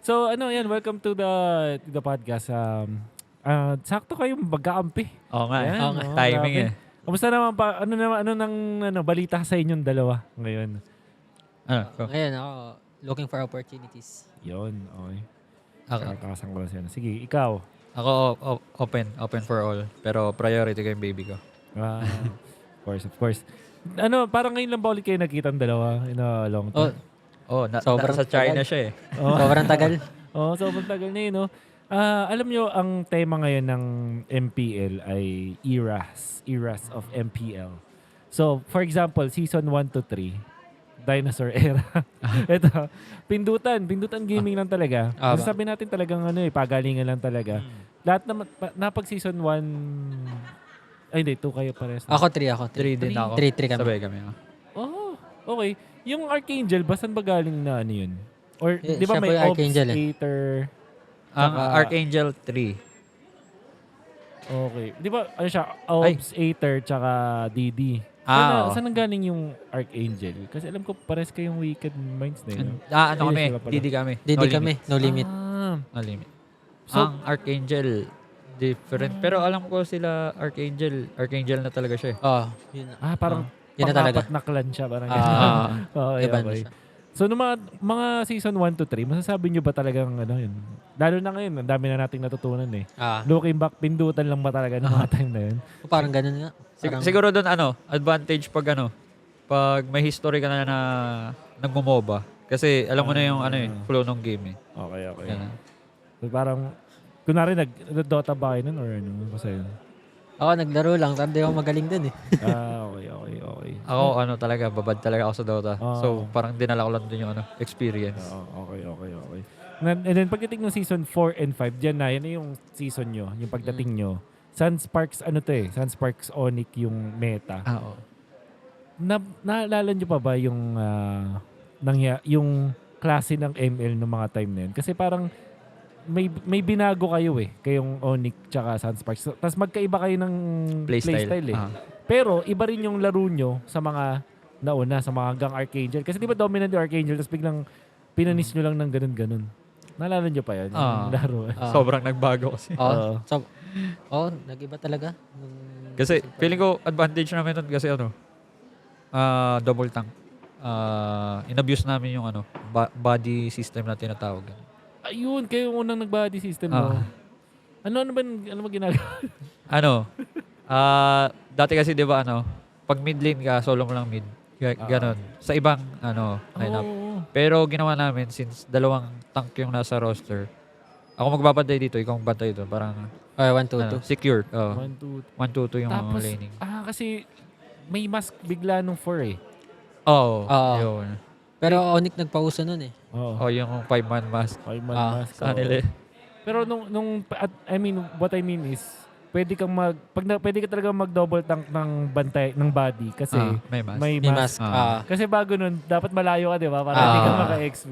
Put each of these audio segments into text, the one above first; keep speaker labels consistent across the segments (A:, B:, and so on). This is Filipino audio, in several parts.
A: So ano yan, welcome to the podcast. Sakto kayong magkakampi.
B: Oo nga,
A: Yan,
B: Oo nga. Timing
A: grabe.
B: eh.
A: Kamusta naman pa? Ano nang balita sa inyong dalawa ngayon?
C: Ngayon ako, looking for opportunities.
A: Yon, okay.
B: Ako,
A: Kakasang ko lang siya. Sige, ikaw.
B: ako open for all. Pero priority ko yung baby ko.
A: Of course. Ano, parang ngayon lang ba ulit kayo nakita ang dalawa in a long time?
C: Sobrang
B: Sa China
C: tagal.
B: siya eh.
C: Sobrang tagal.
A: Sobrang tagal na yun, no? Alam nyo, ang tema ngayon ng MPL ay eras of MPL. So, for example, season 1 to 3, dinosaur era. Ito, pindutan gaming lang talaga. Masasabi natin talagang pagalingan lang talaga. Lahat na pag season 1, ay hindi, 2 kayo pares.
C: Ako 3 ako.
B: 3 din ako.
C: 3 kami.
B: Sabay kami.
A: Okay. Yung Archangel, basan ba galing na ano yun? Or, di ba
C: siya
A: may
C: po yung Archangel,
A: Obstator?
B: Ang Archangel 3.
A: Okay. Di ba, ano siya, Obstator tsaka DD.
B: Oo.
A: Saan nanggaling yung Archangel? Kasi alam ko, pares kayong Wicked Minds na yun.
B: Ano kami?
A: sila pala.
B: DD kami.
C: Didi kami, no limit.
B: No limit.
A: So-
B: Ang Archangel, different. Pero alam ko sila, Archangel na talaga siya eh.
C: Yun.
A: Parang
C: Yun na talaga.
A: pang-apat na clan siya. Parang okay,
C: Iba na
A: okay.
C: siya.
A: So, nung mga season 1 to 3, masasabi nyo ba talagang yun? Lalo na ngayon, ang dami na nating natutunan eh. Looking back, pindutan lang ba talaga ng mga time na yun?
C: Parang ganun nga. Parang,
B: Siguro doon advantage pag may history ka na nagmo-MOBA. Kasi alam mo na yung flow ng game eh.
A: Okay.
B: Ganun.
A: So, parang, kunwari, nag-Dota ba kayo nun or ano? Kasi yun.
C: ako naglaro lang, pero di ako magaling dun eh.
A: Okay.
B: Ako talaga, babad talaga ako sa Dota.
A: Ah.
B: So parang dinala ko lang din yung experience.
A: Okay. And then pagdating ng season 4 and 5, yan na yung season nyo, yung pagdating nyo. Sunsparks, Sunsparks Onyx yung meta.
B: Oo.
A: Naalala nyo pa ba yung yung klase ng ML ng mga time na yun? Kasi parang may binago kayo kayong Onyx tsaka Sunsparks. Tapos magkaiba kayo ng playstyle eh. Pero iba rin yung laro nyo sa mga nauna, sa mga hanggang Archangel. Kasi di ba dominant yung Archangel, tapos biglang pinanis nyo lang ng ganun-ganun. Naalala nyo pa yan? Yung laro.
B: Sobrang nagbago kasi.
C: Nag-iba talaga.
B: Kasi feeling ko advantage namin nun kasi double tank. In-abuse namin yung body system na tinatawag.
A: Ayun, kayo yung unang nag-body system mo. Ano ba ginagawa?
B: Dati kasi 'di ba pag mid lane ka, solo mo lang mid. Ganon. Sa ibang lineup. Pero ginawa namin since dalawang tank yung nasa roster. Ako magbabantay dito, ikaw magbantay dito. Parang
C: 1-2-2.
B: secure.
A: 1, 2,
B: 1-2-2 yung
A: tapos,
B: laning.
A: kasi may mask bigla nung 4
B: Yun.
C: Pero Onyx nagpauso nun eh.
B: Yung 5-man mask.
A: 5-man mask.
B: Sa kanila.
A: Pero what I mean is, pwede ka talaga mag-double tank ng bantay, ng body kasi
B: May mask.
A: may
C: May
A: mask.
C: mask.
A: Kasi bago nun, dapat malayo ka, di ba? Para hindi ka maka-XP.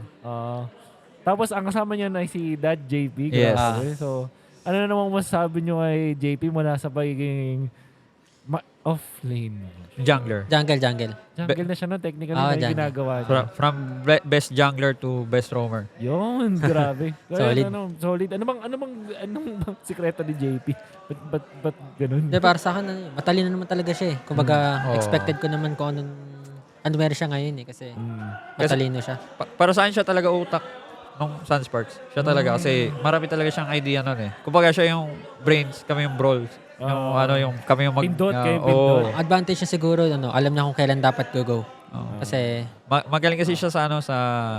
A: Tapos, ang kasama niya na si Dad JP.
B: Yes.
A: Grabe. So, ano na namang masasabi niyo kay JP mula sa pagiging off-lane?
B: Jungler.
C: Jungle.
A: Jungle na siya no? Technically na yung
C: jungle.
A: ginagawa niya.
B: From best jungler to best roamer.
A: Yun, grabe.
C: Solid.
A: Solid. Anong sikreto ni JP? Ba't ganun?
C: Hindi, para sa akin, matalino naman talaga siya eh. Kumbaga, expected ko naman kung ano meron siya ngayon eh. Kasi matalino siya.
B: Para saan siya talaga utak nung Sunsparks? Siya talaga kasi marami talaga siyang idea nun eh. Kumbaga siya yung brains, kami yung brawls. Kami yung
A: Pindot, kayo pindot.
C: Advantage niya siguro, alam niya kung kailan dapat go. Kasi,
B: Magaling kasi siya sa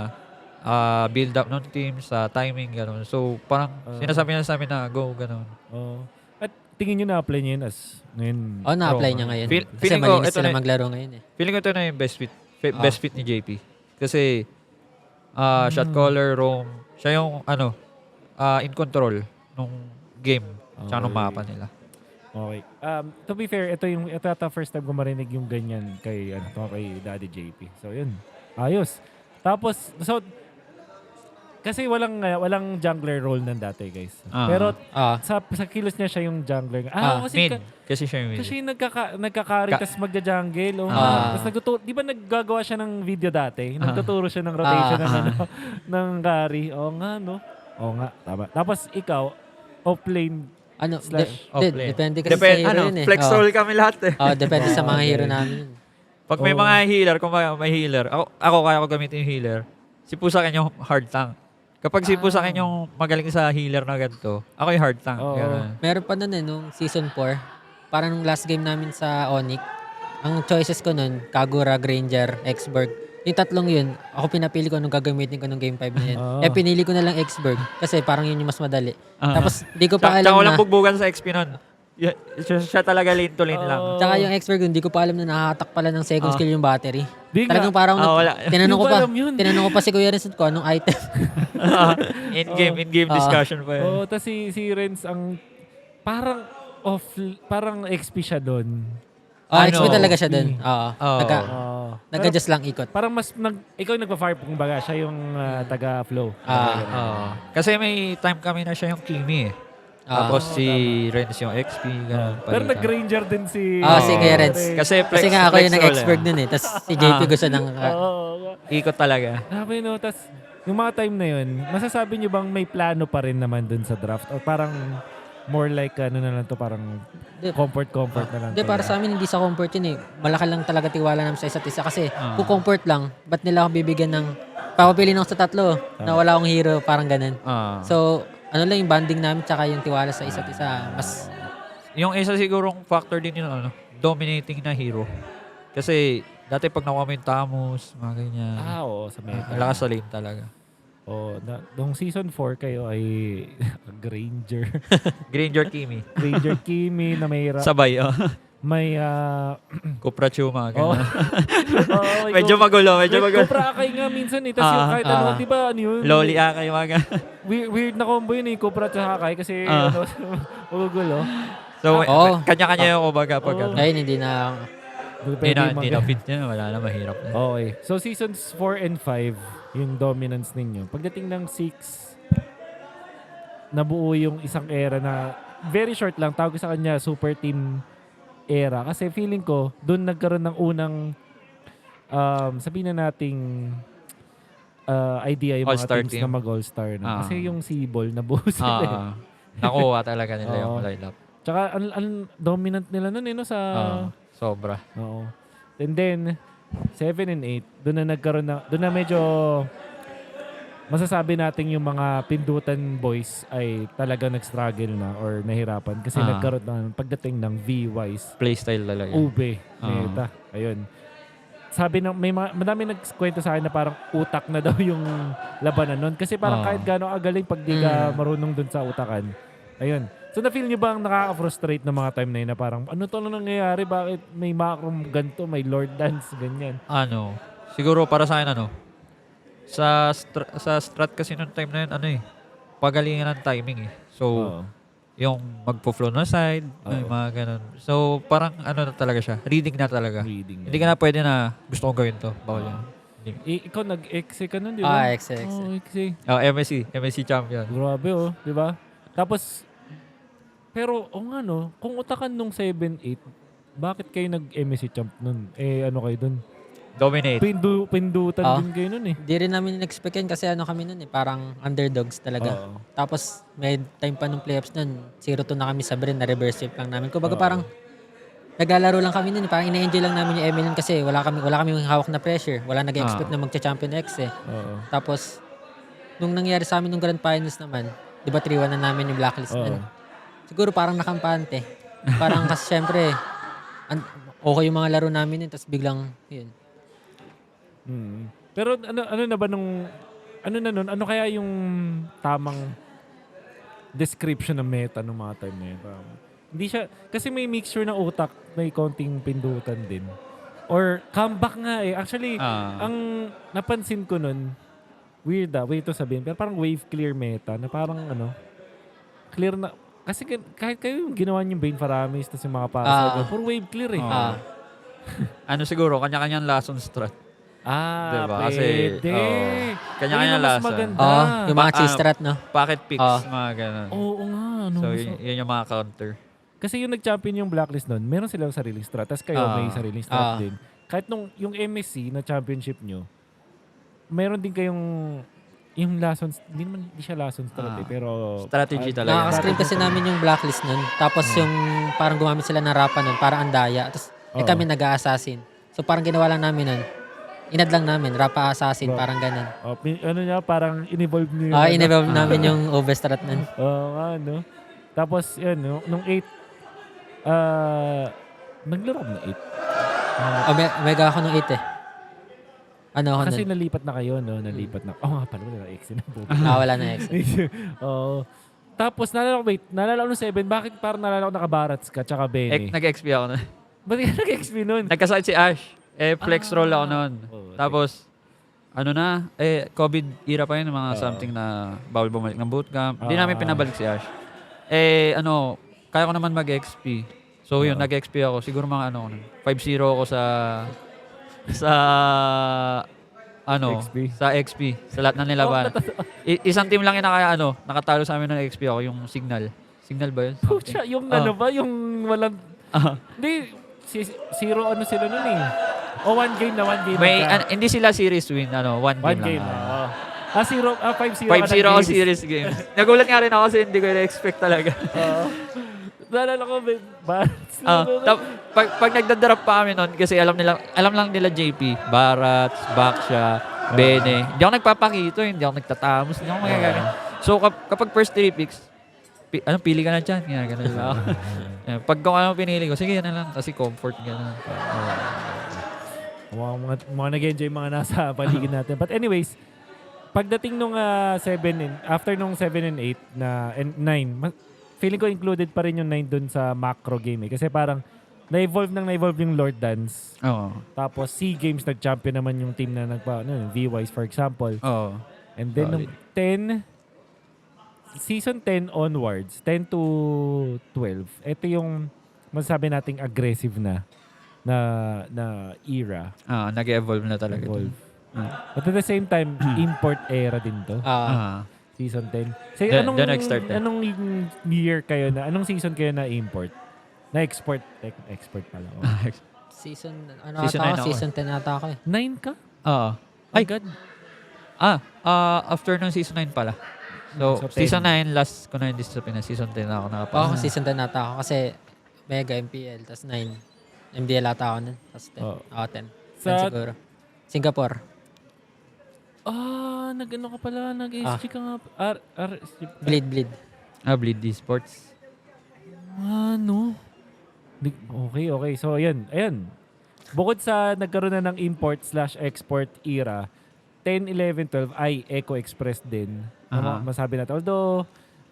B: build up ng team, sa timing, gano'n. So, parang sinasabi niya sa amin na go, gano'n.
A: At tingin nyo na-apply niya yun as ngayon?
C: na-apply niya ngayon. Kasi
B: feeling ko,
C: malinis
B: ito
C: sila
B: na-
C: maglaro ngayon eh.
B: Feeling ko ito na yung best fit ni JP. Kasi, shot caller, roam, siya yung, in control nung game, tsaka nung mapa nila.
A: Okay. To be fair, ito ata first time ko marinig yung ganyan kay Daddy JP. So, yun. Ayos. Tapos, so, kasi walang jungler role nan dati, guys.
B: Ah.
A: Pero
C: Ah,
A: sa kilos niya siya yung jungler. Kasi
B: Mid. Kasi siya yung mid.
A: kasi nagka-carry tas magja-jungle. Tapos di ba naggagawa siya ng video dati? Nagtuturo siya ng rotation ng ng carry. Oo nga, no? Oo nga, tama. Tapos ikaw, off-lane.
B: Offlane.
C: depende kasi sa hero yun eh.
B: Flex
C: Oo.
B: roll kami lahat eh.
C: Depende sa mga hero namin yun.
B: Pag may mga healer, kung may healer, ako kaya ko gamitin yung healer. Si Pusakin yung hard tank. Kapag si Pusakin yung magaling sa healer na ganito, ako yung hard tank.
A: Oo.
B: Ganun.
C: Meron pa nun nung season 4, parang nung last game namin sa Onyx, ang choices ko nun, Kagura, Granger, Xberg. Yung tatlong yun, ako pinapili ko nung gagamitin ko nung game 5 na yun. Pinili ko na lang Xberg kasi parang yun yung mas madali. Tapos di ko pa alam
B: Tsaka
C: na...
B: walang bugbugan sa XP nun. Siya talaga lane to lane lang.
C: Tsaka yung Xberg yun, di ko pa alam na nakahatak pala ng second skill yung battery.
A: Di nga.
C: Talagang parang
B: wala.
C: tinanong ko pa si Kuya Renz ko anong item.
B: In-game discussion pa yun.
A: Oo, tas si Renz ang parang XP siya doon.
C: XP talaga siya dun.
B: Oo.
C: Nag-adjust lang ikot.
A: Parang ikaw yung nagpa-fire kung baga, siya yung taga-flow.
B: Kasi may time kami na siya yung Kimi eh. Tapos si Renz yung XP. Ganun,
A: Pero
B: palitan.
A: nag-ranger din si...
C: si Kuya Renz.
B: Kasi
C: nga ako yung
B: flex roll
C: nag-Xberg dun eh. Tapos si JP gusto ng...
B: Ikot talaga.
A: Sabi no, tas yung mga time na yun, masasabi nyo bang may plano pa rin naman dun sa draft? O parang more like ano na lang to, parang comfort na lang
C: Hindi,
A: to?
C: para sa amin hindi sa comfort yun eh. Malaki lang talaga tiwala namin sa isa't isa. Kasi kung comfort lang, ba't nila ako bibigyan ng... Papapili ako sa tatlo na wala akong hero, parang ganun. So, ano lang yung banding namin tsaka yung tiwala sa isa't isa. Mas...
B: Yung isa sigurong factor din yung dominating na hero. Kasi dati pag nakuha mo yung Tamus, mga ganyan.
A: Oo, sa meta.
B: Lakas sa lane talaga.
A: Nung season 4 kayo ay Granger.
B: Granger Kimi.
A: Granger Kimi na may...
B: Sabay,
A: May...
B: Kupra Chuma.
A: Oh.
B: Medyo magulo.
A: Kupra Akay nga minsan eh. Tapos yung kahit ano, di ba ano yun?
B: Loli Akay, mga
A: Weird na combo yun eh. Kupra at Akay kasi magugulo.
B: So, kanya-kanya yung kumbaga pag
C: Ngayon, hindi na...
B: Hindi na fit niya. Wala na, mahirap na.
A: Okay. So, seasons 4 and 5, yung dominance ninyo. Pagdating ng 6, nabuo yung isang era na very short lang. Tawag ko sa kanya, super team era. Kasi feeling ko, doon nagkaroon ng unang sabihin na nating idea yung
B: All-star
A: mga teams
B: team.
A: na mag-all-star. Na. Kasi yung Sibol, nabuo sila.
B: Nakuha talaga nila yung lineup.
A: Tsaka, ang dominant nila nun sa...
B: Sobra.
A: Oo. And then, 7 and 8, doon na medyo masasabi natin yung mga pindutan boys ay talaga nag-struggle na or nahirapan kasi nagkaroon ng pagdating ng V-Wise.
B: Playstyle talaga.
A: Ube, meta. Ayun. Sabi ng madami nagkwento sa akin na parang utak na daw yung labanan nun kasi parang kahit gaano kagaling pag di ka marunong dun sa utakan. Ayun. So na-feel nyo ba ang nakaka-frustrate ng mga time na yun na parang ano to na nangyayari? Bakit may macro ganito, may Lord Dance, ganyan?
B: Siguro para sa akin sa strat kasi nung time na yun, pagalingan ng timing eh. So, yung magpo-flow na side, may mga ganun. So, parang na talaga siya. Reading na talaga. Hindi ka na pwede na gusto kong gawin to. Bawal yan.
A: Ikaw nag-exe ka nun, di ba?
C: exe.
A: Exe.
B: MSC champion.
A: Grabe di ba? Tapos, pero, kung utakan nung 7-8, bakit kayo nag-MSC champ nun? Ano kayo dun?
B: Dominate.
A: Pindutan din kayo nun eh.
C: Di rin namin in-expect yan kasi kami nun eh, parang underdogs talaga. Tapos, may time pa nung playoffs nun, 0-2 na kami sa Bren, na reverse sweep lang namin. Kumbaga parang, naglalaro lang kami nun eh, parang ina-enjoy lang namin yung ML nun kasi wala kami hawak na pressure. Wala nag-expect na magcha-champion X eh. Tapos, nung nangyari sa amin nung Grand Finals naman, di ba 3-1 na namin yung blacklist nun? Siguro parang nakampante. Parang kasi syempre, okay yung mga laro namin yun, tapos biglang, yun.
A: Pero ano na ba nung, ano kaya yung tamang description ng meta ng mga time na yun? Hindi siya, kasi may mixture ng utak, may konting pindutan din. Or comeback nga eh. Actually, ang napansin ko nun, weird to sabihin, pero parang wave clear meta na parang clear na, kasi kahit kayo yung ginawa niyong Bane Faramis tapos yung mga para puro wave clear eh.
B: Siguro, kanya-kanyang lesson strat. Diba? Kasi,
A: Pwede.
B: kanya-kanya
A: Yun ang mas
B: lasa.
A: maganda.
C: Oo, yung mga cheese
B: Ah,
C: strat, no?
B: Pocket picks,
C: Oo.
B: mga ganun.
A: Oo nga. Ano,
B: So, yun yung mga counter.
A: kasi yung nag-champion yung Blacklist nun, meron silang sariling strat. Tapos kayo may sariling strat din. Kahit nung yung MSC na championship nyo, meron din kayong yung lessons, hindi siya lessons strat pero
B: Strategy talaga.
C: Nakaka-screen kasi namin yung blacklist nun. Tapos yung parang gumamit sila ng rapa nun, parang andaya. Tapos
A: Oo.
C: kami nag-a-assassin. So parang ginawa lang namin nun. Inad lang namin, rapa assassin,
A: Bro.
C: parang ganun.
A: ano niya, parang in-evolve niyo.
C: In-evolve namin yung overstrat nun.
A: Oo nga, no? Tapos, yun, no? Nung 8, naglaro ko ng 8.
C: Mega ako nung 8 eh. Ano ako
A: Kasi
C: nun?
A: nalipat na kayo, no? Nalipat na. Nga pala, wala na X na po.
C: Wala na exit.
A: Oo. Tapos, nalala ko nung 7, bakit parang nalala ko nakabarats ka, tsaka Bene?
B: Nag-XP ako nun.
A: Ba't ka nag-XP nun?
B: Nagkasakit si Ash. Flex roll ako nun.
A: Oo,
B: Tapos, COVID era pa yun, mga something na bawal bumalik ng bootcamp. Hindi namin pinabalik si Ash. Kaya ko naman mag-XP. So yun, nag-XP ako. Siguro mga 5-0 ako sa
A: XP.
B: sa XP. Sa lahat ng nilaban. Isang team lang yung nakatalo sa amin ng XP ako, yung Signal. Signal ba yun?
A: Pucha, yung ano ba? Yung walang... Hindi, zero ano sila nun eh. O one game na.
B: Hindi sila series win, one
A: One
B: game
A: game
B: lang.
A: na. 5-0
B: 5-0 ako series games. Nagulat nga rin ako kasi hindi ko na-expect talaga.
A: Naalala ko, Barats.
B: Pag nagda-drop pa kami nun, kasi alam lang nila JP, Barats, Baksha, Bene. Hindi ako nagpapakito, hindi ako nagtatamos, hindi ako magagaling. So kapag first 3 picks, pili ka na dyan. Ganun lang. Pag kung ano pinili ko, sige yan na lang. Kasi comfort, gano'n.
A: Mga nag-enjoy mga nasa paligid natin. But anyways, pagdating nung 7 after nung 7 and 8 and 9, feeling ko included pa rin yung 9 dun sa macro game eh. Kasi parang na-evolve yung Lord Dance.
B: Oo.
A: Tapos SEA Games nag-champion naman yung team na V-Wise for example.
B: Oo.
A: And then nung 10, season 10 onwards, 10 to 12, ito yung masasabi nating aggressive na era.
B: Nag-evolve na talaga.
A: Evolve. But at the same time, import era din to. Season 10. So, anong year kayo anong season kayo na import? Na-export? Export pala.
C: Season
B: 9 ako.
C: Season 10 ata ako eh.
A: 9 ka?
B: Oo.
A: Ay, God.
B: After ng season 9 pala. So
A: 10.
B: season 9, last ko na hindi sa Pinas. Season 10 na ako nakapasok.
C: Oo, season 10 ata ako kasi Mega MPL, tas 9. MDL ata ako nun, tas 10. 10. 10 siguro. Singapore.
A: Nag-ano ka pala, nag-SG ka nga.
C: Bleed.
B: Bleed Esports.
A: Ano? Okay. So, ayan. Bukod sa nagkaroon na ng import/export era, 10, 11, 12 ay Eco Express din. Masabi natin. Although,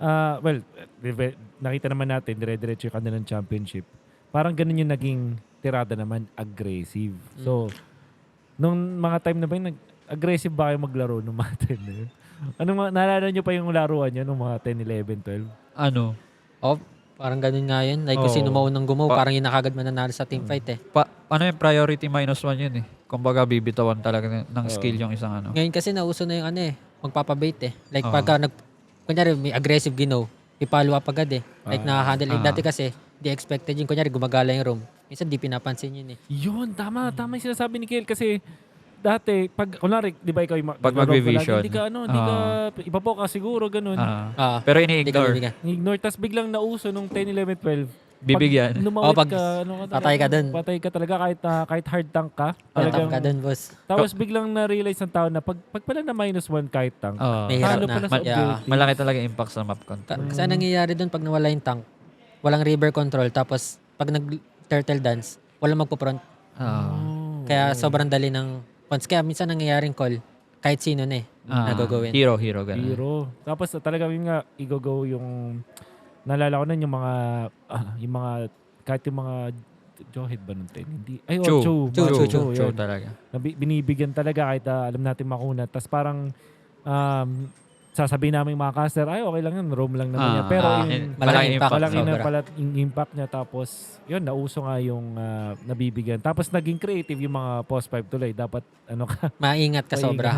A: nakita naman natin, dire-diretso yung kanilang championship. Parang ganun yung naging tirada naman, aggressive. So, nung mga time na ba yun, aggressive ba kayo maglaro nung mga time na yun? Naalala nyo pa yung laruan nyo nung mga 10, 11, 12?
B: Ano?
C: Parang ganun nga yun. Like kung sino maunang gumaw, parang yun nakagad mananalo sa teamfight eh.
B: Yung priority -1 yun eh. Kumbaga bibitawan talaga ng skill yung isang
C: Ngayon kasi nauso na yung magpapabait eh. Like pagka kunyari may aggressive ginaw, ipalo up agad eh. Like nakahandle. Dati kasi, di expected yun. Kunyari gumagala yung room. Minsan di pinapansin yun eh.
A: Yun, tama yung sinasabi ni Kiel kasi dati, kunwari, di ba ikaw
B: pag mag-revision.
A: Hindi ka, iba po ka siguro, ganun.
B: Pero ini-ignore.
A: Ignore, tas biglang nauso nung 10, 11, 12.
B: Bibigyan.
A: Pag lumawit
C: pag
A: ka,
C: patay ka dun.
A: Patay ka talaga kahit hard tank ka.
C: Top ka dun, boss.
A: Tapos biglang na-realize ng tao na pag pala na -1 kahit tank,
C: May hirap
A: halo
C: na.
A: pala sa objective.
B: Malaki talaga impact sa map control.
C: Kasi nangyayari dun pag nawala yung tank, walang river control, tapos pag nag-turtle dance, walang magpo-front. Kaya sobrang dali ng points. Kaya minsan nangyayaring call, kahit sino na nagagawin.
B: Hero, ganun.
A: Hero. Tapos talaga yun nga, i-go yung naalala ko nun yung mga kahit yung mga Johead ba nun? Hindi. Ay, Chu talaga. Binibigyan talaga kahit alam natin makunat. Tapos parang sasabihin namin mga caster, ay okay lang yun, roam lang naman yan. Pero yung
C: malaking impact.
A: malaki na
C: Sobra.
A: pala yung impact niya. Tapos, yun, nauso nga yung nabibigyan. Tapos, naging creative yung mga post 5 tuloy. Dapat, ano ka,
C: Maingat ka sobra.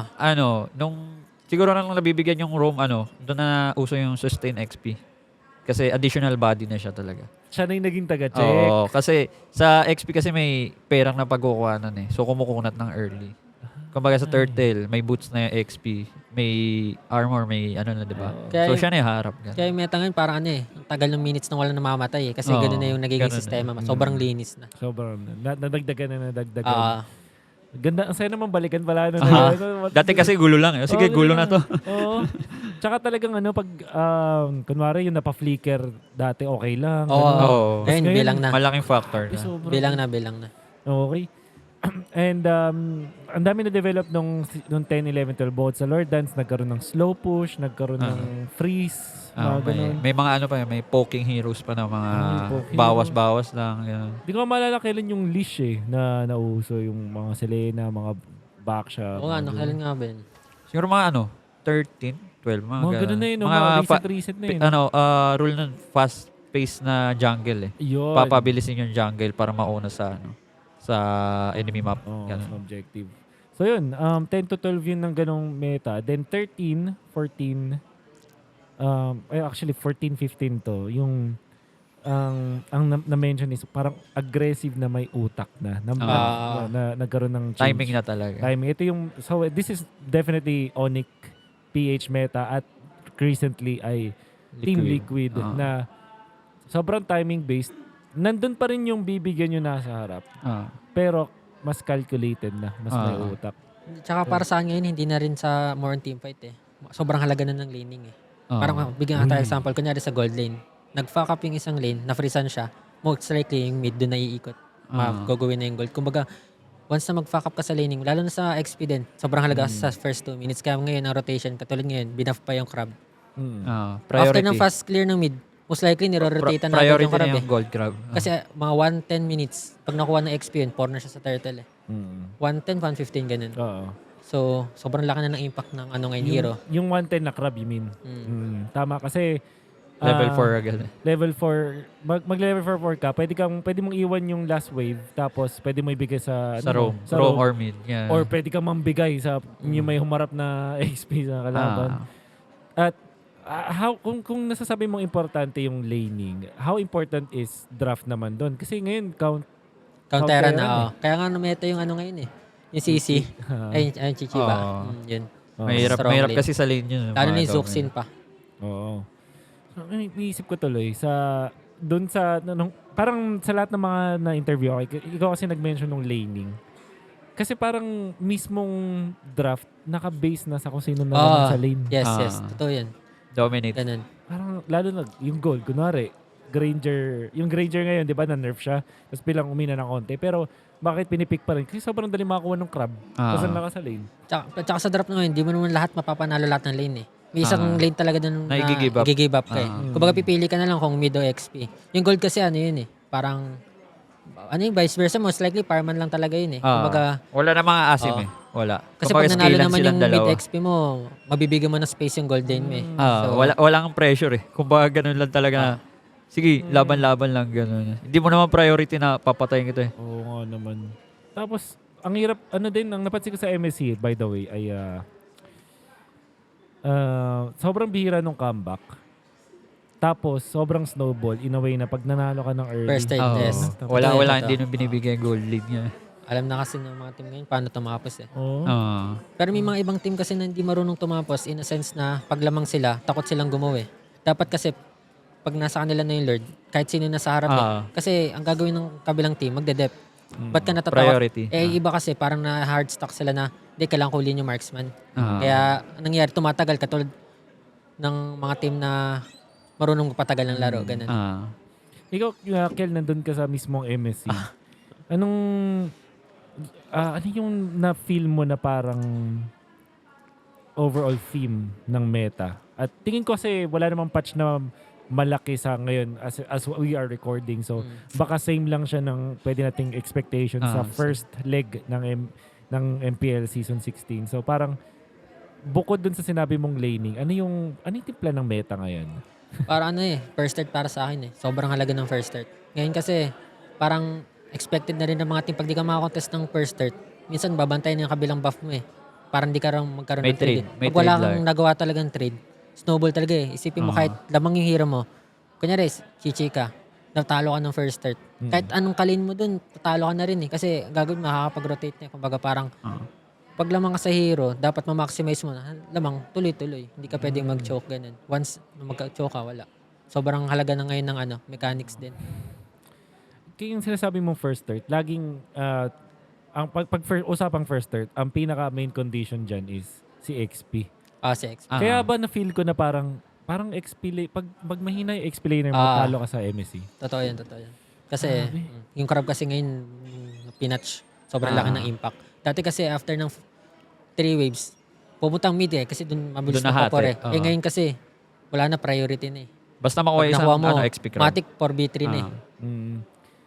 B: Siguro nang nabibigyan yung roam, doon na uso yung sustain XP. Kasi additional body na siya talaga.
A: siya na yung naging taga-check.
B: Oo, kasi sa XP kasi may perang na pagkukuhanan eh. So kumukunat ng early. Kumbaga sa Turtle, may boots na yung XP, may armor, may ano na, di ba?
C: Kaya
B: So
C: yung-
B: siya na yung harap. Ganun.
C: Kaya yung meta ngayon parang ang tagal ng minutes nang wala namamatay eh. Kasi
B: Oo,
C: ganun na yung nagiging
B: ganun na.
C: sistema. Sobrang linis na.
A: Sobrang, nadagdagan na nadagdagan.
C: Ah,
A: Ganda, ang saya naman balikan pala. Ano,
B: Dati kasi gulo lang eh. Sige,
A: Oo,
B: gulo na to.
A: Oo. Tsaka talagang pag, kunwari yung napaflicker dati, okay lang.
C: Oo.
A: Ganun.
B: Oo.
C: Ngayon,
A: ngayon,
C: bilang na.
B: Malaking factor na.
A: Sobrang-
C: Bilang na.
A: Okay. And ang dami na-develop nung 10, 11, 12 bots sa Lord Dance. Nagkaroon ng slow push, nagkaroon ng freeze, mga ganun.
B: May mga may poking heroes pa na mga
A: poking
B: bawas-bawas lang. Ganun.
A: Di ko maalala kailan yung leash na nauso. Yung mga Selena, mga Baksha.
C: Oo nga,
A: mga ganun.
C: kailan nga ba yun?
B: Siguro mga 13, 12, mga
A: Mga ganun na yun. Mga recent na yun.
B: rule nun, fast pace na jungle eh.
A: Yun.
B: Papabilisin yung jungle para mauna sa sa enemy map.
A: Oh,
B: Ganun.
A: objective. So yun, 10 to 12 yun ng ganong meta. Then 13, 14, actually 14, 15 to, yung ang na-mention is parang aggressive na may utak na nagkaroon ng change.
B: Timing na talaga.
A: Timing. Ito yung, so this is definitely Onyx PH meta at recently ay Team Liquid na sobrang timing based. Nandun pa rin yung bibigyan nyo nasa harap. Pero mas calculated na, mas may utak.
C: Tsaka para sa akin ngayon, hindi na rin sa more on teamfight eh. Sobrang halaga na ng laning eh. Parang bigyan ka tayo example. Kunyari sa gold lane, nag-fuck up yung isang lane, na-freezan siya, most likely yung mid doon na iikot. Gagawin na yung gold. Kumbaga, once na mag-fuck up ka sa laning, lalo na sa XP din, sobrang halaga sa first 2 minutes. Kaya ngayon, ang rotation, katulad ngayon, binuff pa yung crab. After ng fast clear ng mid, most likely niro-rotate na agad
B: priority
C: yung crab
B: na
C: eh.
B: yung gold crab.
C: Kasi mga 1-10 minutes, pag nakuha ng XP yun, corner siya sa turtle eh. 1-10, 1-15, ganun.
A: Oo.
C: So, sobrang laki na ng impact ng ngayon hero.
A: Yung 110 na crab, you mean? Tama, kasi
B: Level 4 agad.
A: level 4, mag-level 4 ka, pwede mong iwan yung last wave, tapos pwede mo ibigay sa
B: Roam.
A: sa
B: Roam
A: roam.
B: or mid. Yeah.
A: Or pwede kang mambigay sa yung may humarap na XP sa kalaban. At kung nasasabi mong importante yung laning, how important is draft naman doon? Kasi ngayon,
C: Countera
A: Countera
C: na, Kaya nga meta yung ngayon eh. Yung CC. Ay, Chichiba. Yun.
B: Mahirap
C: Strong lane.
B: kasi sa lane yun.
C: Lalo
B: mga
C: ni
B: ito,
C: Zuxin pa.
A: Oo. Iisip ko tuloy doon sa parang sa lahat ng mga na-interview ako, ikaw kasi nag-mention ng laning. Kasi parang mismong draft naka-base na sa kung sino na sa lane.
C: Yes. Totoo yan.
B: Dominate.
C: Ganun.
A: Parang lalo na yung gold, kunwari, yung Granger ngayon, di ba, na-nerf siya, tapos bilang umina ng konti. Pero bakit pinipick pa rin? Kasi sobrang dali makakuha ng crab. Kasi naka sa lane.
C: Tsaka sa draft na ngayon, hindi mo naman lahat mapapanalo lahat ng lane eh. May isang lane talaga dun
B: Na i-give up.
C: i-give up ka eh. Kumbaga pipili ka na lang kung mid o XP. Yung gold kasi yun eh. Parang, yung vice versa, most likely fireman lang talaga yun eh. Kumbaga,
B: wala na mga asim eh. Wala.
C: kasi
B: Kumbaga,
C: pag nanalo
B: scalan
C: naman
B: silang
C: yung
B: dalawa.
C: mid XP mo, mabibigyan mo ng space yung gold lane mo eh.
B: Walang pressure eh. Kumbaga ganun lang talaga na, sige, laban-laban lang ganun. Hindi mo naman priority na papatayin kita eh.
A: Oo nga naman. Tapos, ang hirap, ang napansin ko sa MSC, by the way, ay sobrang bihira nung comeback. Tapos, sobrang snowball in a way na pag nanalo ka ng early.
C: First time test.
B: Wala,
C: Totoo.
B: hindi nung binibigay gold lead niya.
C: Alam na kasi ng mga team ngayon paano tumapos eh.
A: Oo.
C: Pero may mga ibang team kasi na hindi marunong tumapos in a sense na pag lamang sila, takot silang gumawa eh. Dapat kasi pag nasa kanila na yung Lord, kahit sino nasa harap eh. Kasi ang gagawin ng kabilang team, magde-dep. Ba't ka natatakot?
B: Priority.
C: Iba kasi parang na hard stock sila na hindi, kailangan kulin yung marksman. Kaya anong nangyari, tumatagal katulad ng mga team na marunong patagal ng laro. Ganun.
A: Ikaw, Kel, nandun ka sa mismong MSC. Ano yung na-feel mo na parang overall theme ng meta? At tingin ko kasi wala namang patch na malaki sa ngayon as we are recording. So, baka same lang siya ng pwede nating expectation sa first leg ng MPL Season 16. So, parang bukod dun sa sinabi mong laning, ano yung timpla ng meta ngayon?
C: Para first start para sa akin Sobrang halaga ng first start. Ngayon kasi, parang expected na rin ng mga team pag di ka makakontest ng first start. Minsan babantayan yung kabilang buff mo Parang di ka rin magkaroon
B: May
C: ng trade.
B: trade. May
C: Pag wala
B: trade
C: kang
B: lang.
C: nagawa talagang trade, snowball talaga Isipin mo kahit lamang yung hero mo. Kunyari, chichi ka, natalo ka ng first start. Kahit anong kalin mo dun, tatalo ka na rin Kasi gagawin, makakapag-rotate na. Kumbaga parang, pag lamang ka sa hero, dapat ma-maximize mo na. Lamang, tuloy-tuloy. Hindi ka pwedeng mag-choke ganun. Once mag-choke ka, wala. Sobrang halaga na ngayon ng mechanics din.
A: Kaya yung sinasabi mong first start, laging, ang usapang first start, ang pinaka main condition dyan is si XP.
C: Si XP.
A: Kaya ba na-feel ko na parang XP, pag mahina yung XP laner mo, talo ka sa MSC?
C: Totoo yan. Kasi, yung crab kasi ngayon, pinatch. Sobrang laki ng impact. Dati kasi after ng 3 waves, pupuntang mid kasi dun mabilis
B: Dun
C: na
B: nahati.
C: popor ngayon kasi, wala na priority na
B: Basta makuha
C: Pag
B: isang
C: nakuha mo,
B: XP crowd.
C: matic 4v3 na
A: Mm.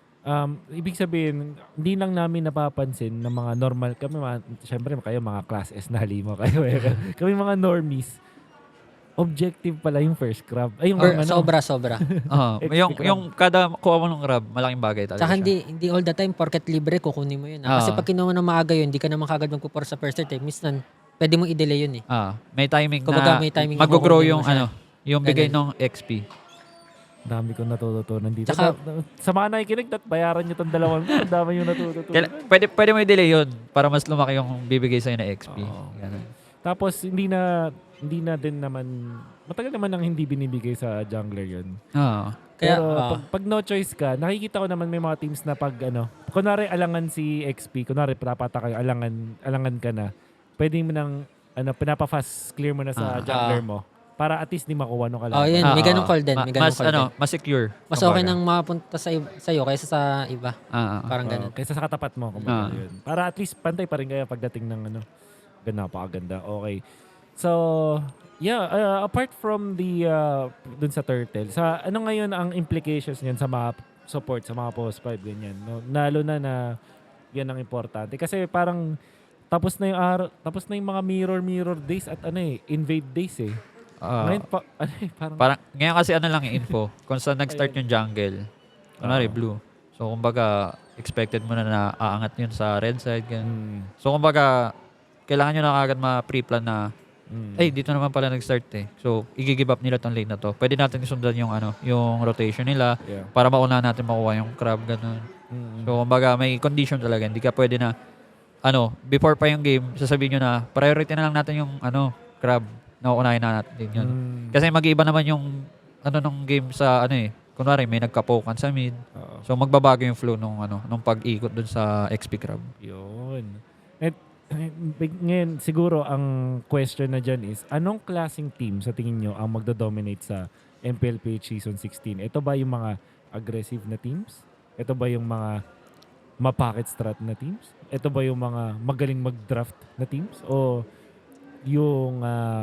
A: Ibig sabihin, hindi lang namin napapansin ng mga normal, kami syempre kayo mga class S na halimo kayo kami mga normies, objective pala yung first crab. Ay, yung
C: Sobra.
B: Yung,
A: XP crab.
B: yung kada kuha mo ng crab, malaking bagay talaga
C: Tsaka
B: siya.
C: hindi all the time, porket libre, kukunin mo yun. Kasi pag kinuha mo ng maaga yun, hindi ka naman kagad magpupor sa first start. Minsan, pwede mong i-delay yun
B: May timing
C: Kumbaga,
B: na
C: may timing na
B: mag-grow
C: kukunin
B: yung
C: mo siya.
B: yung bigay ng XP.
A: Dami kong natututunan dito.
C: Tsaka-
A: Sa mga nakikinig, bayaran nyo itong dalawang ko. Ang dami yung natututunan.
B: Pwede mo i-delay yun para mas lumaki yung bibigay sa'yo na XP.
A: Oo.
B: Ganun.
A: Tapos, hindi na din naman, matagal naman nang hindi binibigay sa jungler yun.
C: Kaya,
A: Pero pag no choice ka, nakikita ko naman may mga teams na pag kunwari alangan si XP, kunwari pinapata kayo, alangan ka na, pwede mo nang pinapa-fast clear mo na sa jungler mo para at least di makuha nung kalaban.
C: yun. May ganong call din. May ganong
B: Mas,
C: call din.
B: mas secure.
C: Mas okay nang mapunta sa'yo kaysa sa iba. Parang
A: Oo,
C: ganun.
A: kaysa sa katapat mo. Kumbaga yun. Para at least pantay pa rin kayo pagdating ng napakaganda. Okay. So, yeah, apart from the dun sa turtle, sa ano ngayon ang implications niyan sa mga support, sa mga post 5, ganyan. No? Lalo na yan ang importante. Kasi parang tapos na yung mga mirror days at invade days Ngayon parang
B: Ngayon kasi lang yung info. Kung saan nag-start yung jungle. Kunwari, blue. So, kumbaga, expected mo na aangat yun sa red side. Ganun. So, kumbaga, kailangan nyo na kagad ma-pre-plan na dito naman pala nag-start So, i-give up nila tong lane na to. Pwede natin isundan yung yung rotation nila para mauna natin makuha yung crab, ganun. So, kumbaga, may condition talaga. Hindi ka pwede na, before pa yung game, sasabihin nyo na, priority na lang natin yung, crab. Nauunahin na natin din yun. Kasi mag-iiba naman yung, nung game sa, kunwari, may nagkapokan sa mid. So, magbabago yung flow nung pag-ikot dun sa XP crab.
A: Yun. At ngayon, siguro ang question na dyan is, anong klaseng team sa tingin nyo ang magdo-dominate sa MPLPH Season 16? Ito ba yung mga aggressive na teams? Ito ba yung mga ma-pocket strat na teams? Ito ba yung mga magaling mag-draft na teams? O yung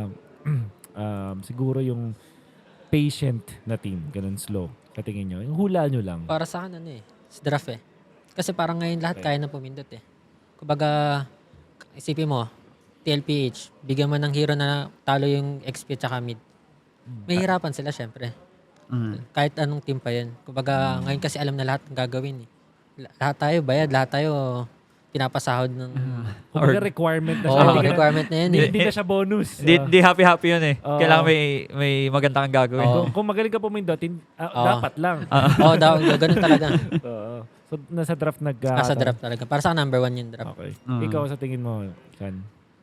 A: siguro yung patient na team, ganun slow? Katingin nyo? Yung hula nyo lang.
C: Para sa akin, sa draft Kasi parang ngayon lahat kaya na pumindot Kumbaga, isipin mo, TLPH, bigyan mo ng hero na talo yung XP tsaka mid. May hirapan sila, syempre. Kahit anong team pa yun. Kumbaga, ngayon kasi alam na lahat ng gagawin Lahat tayo bayad, lahat tayo pinapasahod ng
A: Kumbaga requirement na siya.
C: requirement na yun
A: Hindi na siya bonus.
B: Di happy-happy yun Kailangan may maganda kang gagawin.
A: Kung magaling ka pumindot, dapat lang.
C: Ganun talaga.
A: Oo. So, nasa draft
C: Nasa draft talaga. Para sa akin, number 1 yung draft.
A: Okay. Ikaw sa tingin mo, Chan?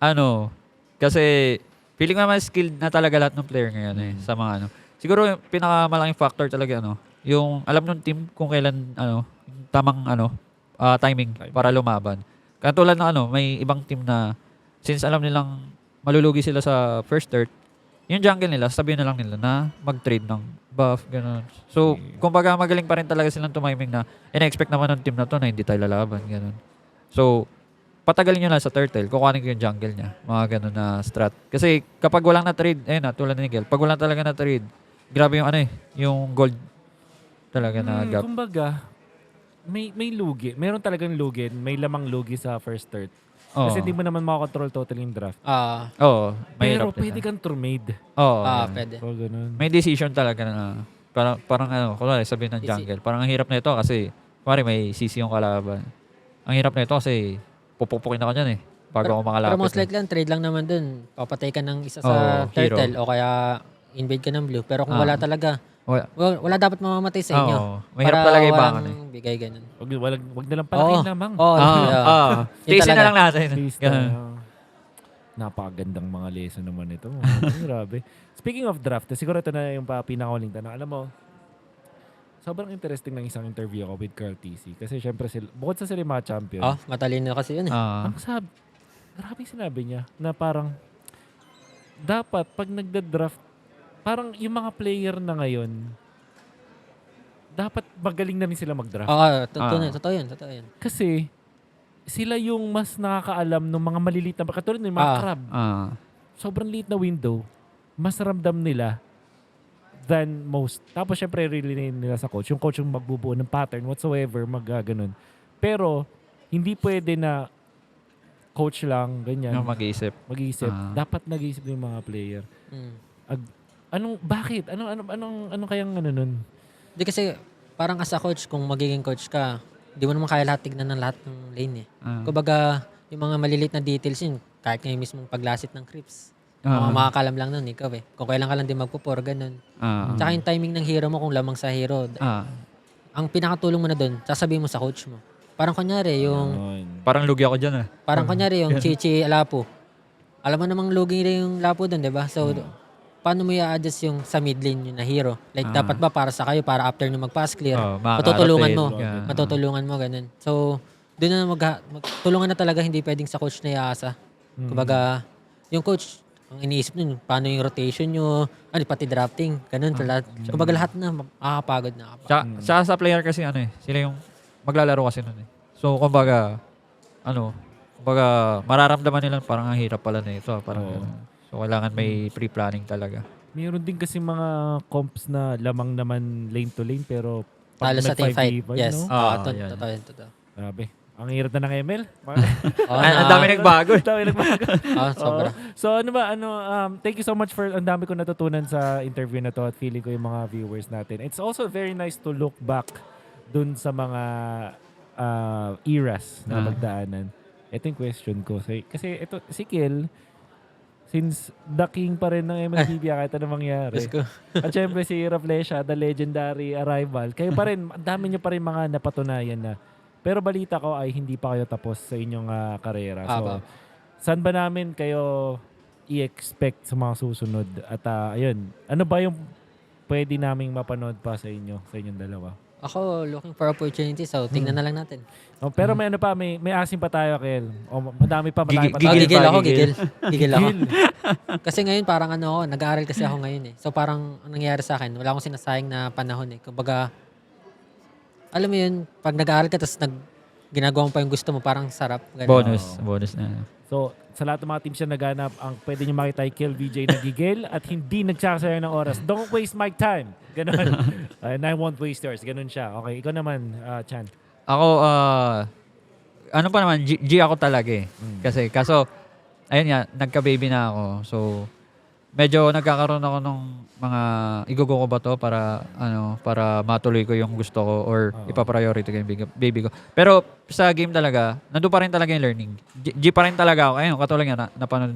B: Kasi feeling ko naman skilled na talaga lahat ng player ngayon sa mga Siguro yung pinakamalaking factor talaga yung alam ng team kung kailan tamang timing para lumaban. Katulad ng may ibang team na since alam nilang malulugi sila sa first start, yung jungle nila, sabihin na lang nila na mag-trade ng buff, gano'n. So, kumbaga magaling pa rin talaga silang tumiming na ina-expect naman ng team na to na hindi tayo lalaban, gano'n. So, patagalin nyo lang sa turtle, kukuhanin ko yung jungle niya. Mga gano'n na strat. Kasi kapag walang na-trade, tulad ni Miguel, pag walang talaga na-trade, grabe yung yung gold talaga na gap.
A: Kumbaga, may lugi. Meron talagang lugi. May lamang lugi sa first start.
B: Oo.
A: Kasi hindi mo naman makakontrol totally yung draft.
B: Oo.
A: Pero
B: Mahirap din
A: pwede
B: na.
A: kang trumade.
B: Oo.
C: Pwede.
A: So, ganun.
B: May decision talaga na parang ano, kunwari sabihin ng jungle, parang ang hirap na ito kasi kunwari may CC yung kalaban. Ang hirap na ito kasi pupukpukin ako dyan bago ako makalapit.
C: Pero most likely, ang trade lang naman dun. Papatay ka ng isa
B: Oo,
C: sa
B: hero.
C: turtle o kaya invade ka ng blue. Pero kung wala talaga,
B: Wala.
C: wala dapat mamamatay sa inyo.
B: Oo. Mahirap talaga ibangan
C: walang bigay ganun.
A: Wag na lang palaking lamang.
C: Oo. Yun
B: Tiisin na
C: talaga.
B: lang natin.
A: Please
B: Ganun.
A: Napakagandang mga lesson naman ito. Grabe. Speaking of draft, siguro ito na yung pinakahuling tanong. Alam mo, sobrang interesting ng isang interview ko with Carl TC. Kasi syempre, bukod sa sila yung mga champion,
C: Matalino kasi yun eh.
A: ang grabe sinabi niya na parang dapat pag nagda-draft, parang yung mga player na ngayon, dapat magaling na rin sila mag-draft.
C: Totoo yun.
A: Kasi sila yung mas nakakaalam ng mga maliliit na, katulad ng mga crab. Sobrang liit na window, mas ramdam nila than most. Tapos syempre relay nila sa coach. Yung coach yung magbubuo ng pattern whatsoever, ganun. Pero hindi pwede na coach lang, ganyan.
B: Yung mag-iisip.
A: Dapat nag-iisip yung mga player. Bakit? Anong kayang nun?
C: Hindi kasi, parang as a coach, kung magiging coach ka, di mo naman kaya lahat tignan ng lahat ng lane eh. Kumbaga, yung mga maliliit na details yun, kahit ngayon mismong paglasit ng creeps. Makakalam lang nun, ikaw eh. Kung kailan ka lang din magpupor, ganun. Tsaka yung timing ng hero mo, kung lamang sa hero, ang pinakatulong mo na dun, sasabihin mo sa coach mo. Parang kunyari,
B: Parang lugi ako dyan
C: Parang kunyari, yung Chichi Lapu. Alam mo namang lugi rin yung Lapu dun, di ba? So, paano mo i-adjust yung sa mid lane yun na hero? Like, dapat ba para sa kayo, para after nyo mag-pass clear, matutulungan mo, ganun. So, doon na magtulungan na talaga, hindi pwedeng sa coach na iaasa. Kumbaga, yung coach, ang iniisip nun, paano yung rotation nyo, pati drafting, ganun. Kumbaga, lahat na makakapagod na.
B: Sa player kasi sila yung maglalaro kasi nun So, kumbaga, mararamdaman nila parang ang hirap pala na ito. Parang ganun. So, kailangan may pre-planning talaga.
A: Mayroon din kasi mga comps na lamang naman lane to lane pero pag
C: Talo sa team fight. Yes.
A: no?
C: Totoo.
A: Grabe. Ang hirap na ng ML.
B: Ang dami nagbago.
C: Sobra.
A: So thank you so much for ang dami ko natutunan sa interview na to at feeling ko yung mga viewers natin. It's also very nice to look back dun sa mga eras na magdaanan. Ito yung question ko. Kasi ito, si Kiel, since the king pa rin ng MLBB kahit ano mangyari. At syempre si Raflesha, the legendary arrival. Kayo pa rin, ang dami nyo pa rin mga napatunayan na. Pero balita ko ay hindi pa kayo tapos sa inyong karera. So, saan ba namin kayo i-expect sa mga susunod? At ayun, ano ba yung pwede naming mapanood pa sa inyong dalawa?
C: Ako, looking for opportunity. So, tingnan na lang natin.
A: Pero may may asim pa tayo, Kel. Madami pa.
C: Gigil ako. Kasi ngayon parang nag-aaral kasi ako ngayon eh. So parang ang nangyayari sa akin, wala akong sinasayang na panahon eh. Kumbaga, alam mo yun, pag nag-aaral ka tapos ginagawa mo pa yung gusto mo, parang sarap. Ganun.
B: Bonus na.
A: So, sa lahat ng mga teams na naghanap, ang pwede nyo makita ay Kiel VJ na gigil at hindi nagsasayang ng oras. Don't waste my time. Ganun. And I won't waste yours. Ganun siya. Okay, ikaw naman, Chan.
B: Ako, pa naman, G ako talaga eh. Kaso, ayun nga, nagka-baby na ako. So, medyo nagkakaroon ako ng mga, igugo ko ba to para matuloy ko yung gusto ko or ipapriority ko yung baby ko. Pero sa game talaga, nandun pa rin talaga yung learning. G pa rin talaga ako. Ayun, katulad nga,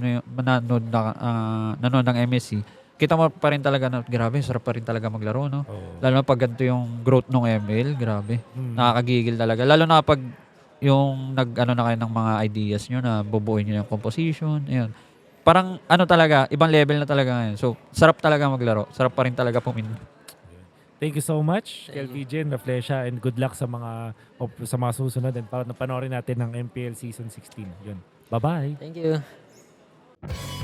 B: nanood ng MSC. Kita mo pa rin talaga na, grabe, sarap pa rin talaga maglaro, no? Lalo na pag ganito yung growth ng ML, grabe. Nakakagigil talaga. Lalo na pag yung na kayo ng mga ideas nyo na bubuuin nyo yung composition, ayun. Parang talaga, ibang level na talaga ngayon. So, sarap talaga maglaro. Sarap pa rin talaga pumin.
A: Thank you so much, Kiel VJ and Raflesha, and good luck sa mga susunod and para panoorin natin ng MPL Season 16. Yun. Bye-bye.
C: Thank you.